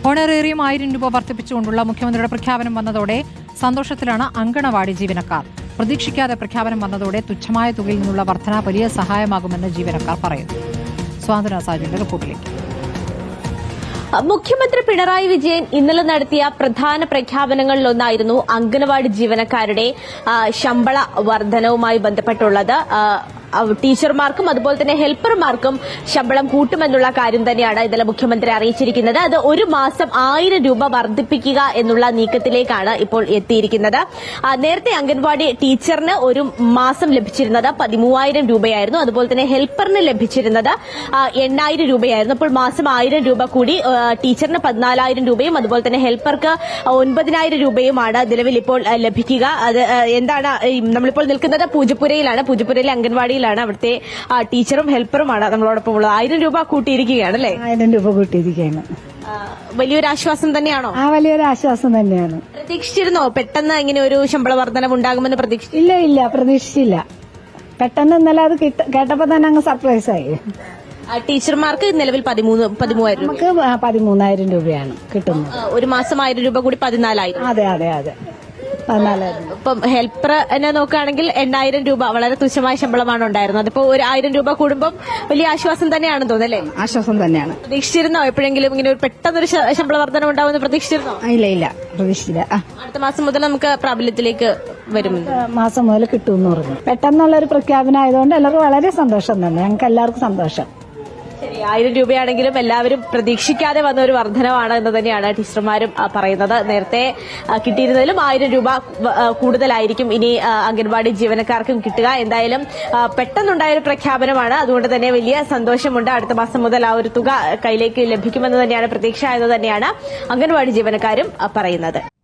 Honorarium 1000 രൂപ വർദ്ധിപ്പിച്ചുകൊണ്ടുള്ള മുഖ്യമന്ത്രിയുടെ പ്രഖ്യാപനം വന്നതോടെ സന്തോഷത്തിലാണ് അങ്കണവാടി ജീവനക്കാർ. പ്രതീക്ഷിക്കാതെ പ്രഖ്യാപനം വന്നതോടെ തുച്ഛമായ തുകയിൽ നിന്നുള്ള വർധന വലിയ സഹായമാകുമെന്ന് ജീവനക്കാർ പറയുന്നു. സ്വാതന്ത്ര്യ സാജുവിന്റെ റിപ്പോർട്ടിലേക്ക്. മുഖ്യമന്ത്രി പിണറായി വിജയൻ ഇന്നലെ നടത്തിയ പ്രധാന പ്രഖ്യാപനങ്ങളിലൊന്നായിരുന്നു അംഗനവാടി ജീവനക്കാരുടെ ശമ്പള വർധനവുമായി ബന്ധപ്പെട്ടുള്ളത്. ടീച്ചർമാർക്കും അതുപോലെ തന്നെ ഹെൽപ്പർമാർക്കും ശമ്പളം കൂട്ടുമെന്നുള്ള കാര്യം തന്നെയാണ് ഇന്നലെ മുഖ്യമന്ത്രി അറിയിച്ചിരിക്കുന്നത്. അത് ഒരു മാസം 1000 രൂപ വർദ്ധിപ്പിക്കുക എന്നുള്ള നീക്കത്തിലേക്കാണ് ഇപ്പോൾ എത്തിയിരിക്കുന്നത്. നേരത്തെ അംഗൻവാടി ടീച്ചറിന് ഒരു മാസം ലഭിച്ചിരുന്നത് 13,000 രൂപയായിരുന്നു. അതുപോലെ തന്നെ ഹെൽപ്പറിന് ലഭിച്ചിരുന്നത് 8,000 രൂപയായിരുന്നു. അപ്പോൾ മാസം 1000 രൂപ കൂടി ടീച്ചറിന് 14,000 രൂപയും അതുപോലെ തന്നെ ഹെൽപ്പർക്ക് 9,000 രൂപയുമാണ് നിലവിൽ ഇപ്പോൾ ലഭിക്കുക. അത് എന്താണ്, നമ്മളിപ്പോൾ നിൽക്കുന്നത് പൂജപ്പുരയിലാണ്. പൂജപ്പുരയിലെ അംഗൻവാടിയിൽ അവിടുത്തെ ടീച്ചറും ഹെൽപ്പറുമാണ് നമ്മളോടൊപ്പം ഉള്ളത്. 1000 രൂപ കൂട്ടിയിരിക്കുകയാണ് അല്ലേ? 1000 രൂപ കൂട്ടിയിരിക്കുകയാണ്. വലിയൊരു ആശ്വാസം തന്നെയാണോ? വലിയൊരു ആശ്വാസം തന്നെയാണ്. പ്രതീക്ഷിച്ചിരുന്നോ പെട്ടെന്ന് ഇങ്ങനെ ഒരു ശമ്പള വർധനവ് ഉണ്ടാകുമെന്ന് പ്രതീക്ഷിച്ചു? ഇല്ല, പ്രതീക്ഷിച്ചില്ല. പെട്ടെന്ന് ഇന്നലെ അത് കേട്ടപ്പോ തന്നെ അങ്ങ് സർപ്രൈസ് ആയി. ടീച്ചർമാർക്ക് നിലവിൽ 13,000 രൂപ, നമുക്ക് 13,000 രൂപയാണ് കിട്ടുന്നത്. ഒരു മാസം 1000 രൂപ കൂടി 14,000. അതെ 14,000. ഇപ്പം ഹെൽപ്പറിനെ നോക്കുകയാണെങ്കിൽ 8,000 രൂപ വളരെ തുച്ഛമായ ശമ്പളമാണ് ഉണ്ടായിരുന്നത്. അതിപ്പോ ഒരു 1000 രൂപ കൂടുമ്പോൾ വലിയ ആശ്വാസം തന്നെയാണെന്ന് തോന്നല്ലേ? ആശ്വാസം തന്നെയാണ്. പ്രതീക്ഷിച്ചിരുന്നോ എപ്പോഴെങ്കിലും ഇങ്ങനെ ഒരു പെട്ടെന്നൊരു ശമ്പള വർധന ഉണ്ടാവുമെന്ന് പ്രതീക്ഷിച്ചിരുന്നോ? ഇല്ല, പ്രതീക്ഷിച്ചില്ല. അടുത്ത മാസം മുതൽ നമുക്ക് പ്രാബല്യത്തിലേക്ക് വരും. മാസം മുതൽ കിട്ടുമെന്ന് പറഞ്ഞു. പെട്ടെന്നുള്ള ഒരു പ്രഖ്യാപനം ആയതുകൊണ്ട് എല്ലാവർക്കും വളരെ സന്തോഷം തന്നെ. ഞങ്ങൾക്ക് എല്ലാവർക്കും സന്തോഷം. ശരി, 1000 രൂപയാണെങ്കിലും എല്ലാവരും പ്രതീക്ഷിക്കാതെ വന്ന ഒരു വർധനവാണ് എന്ന് തന്നെയാണ് ടീച്ചർമാരും പറയുന്നത്. നേരത്തെ കിട്ടിയിരുന്നതിലും 1000 രൂപ കൂടുതലായിരിക്കും ഇനി അംഗൻവാടി ജീവനക്കാർക്കും കിട്ടുക. എന്തായാലും പെട്ടെന്നുണ്ടായ ഒരു പ്രഖ്യാപനമാണ്. അതുകൊണ്ട് തന്നെ വലിയ സന്തോഷമുണ്ട്. അടുത്ത മാസം മുതൽ ആ ഒരു തുക കയ്യിലേക്ക് ലഭിക്കുമെന്ന് തന്നെയാണ് പ്രതീക്ഷ എന്ന് തന്നെയാണ് അംഗൻവാടി ജീവനക്കാരും പറയുന്നത്.